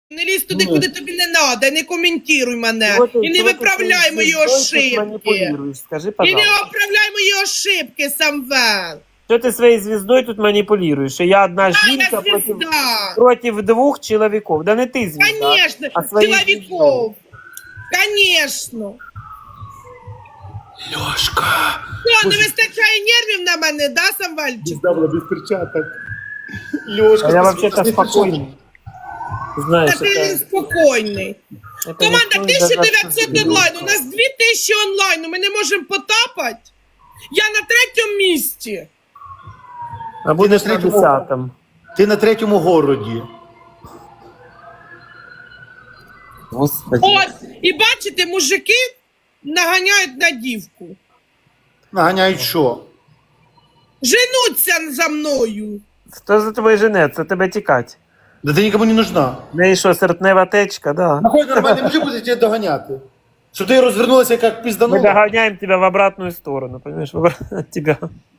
Не лізь туди, куди тобі не треба, не коментуй мене. І не виправляй мої ошибки. Скажи, І пожалуйста. не виправляй мої ошибки, Самвел. Что ты своей звездой тут манипулируешь? И я одна Я жінка звезда. против двух человеков. Да не ты звезда. Конечно, а своей чоловіков. Конечно. Льошка. Що, не вистачає нервів на мене, да, Самвельчик? Звезда была без перчаток. Лёшка, А я спасибо, вообще-то без спокойный. Знаешь, Та ти спокійний. это Команда, никто не даст 1900 тебе. онлайн, у нас 2000 онлайн, ми не можемо потапати. Я на 3-му місці. А будешь Ты на на третьем. 10-м. Ти на 3-му городі. Господи. Ось, і бачите, мужики наганяють на дівку. Наганяють що? Женуться за мною. Хто за тобою женеться? Тебе тікать. Да ти нікому не нужна. В неї що, серпнева течка, да. Нахуй нормальний мужик буде тебе доганяти. Щоб ти розвернулася як Мы пізданула. догоняем тебя в обратную сторону, понимаешь, от тебя.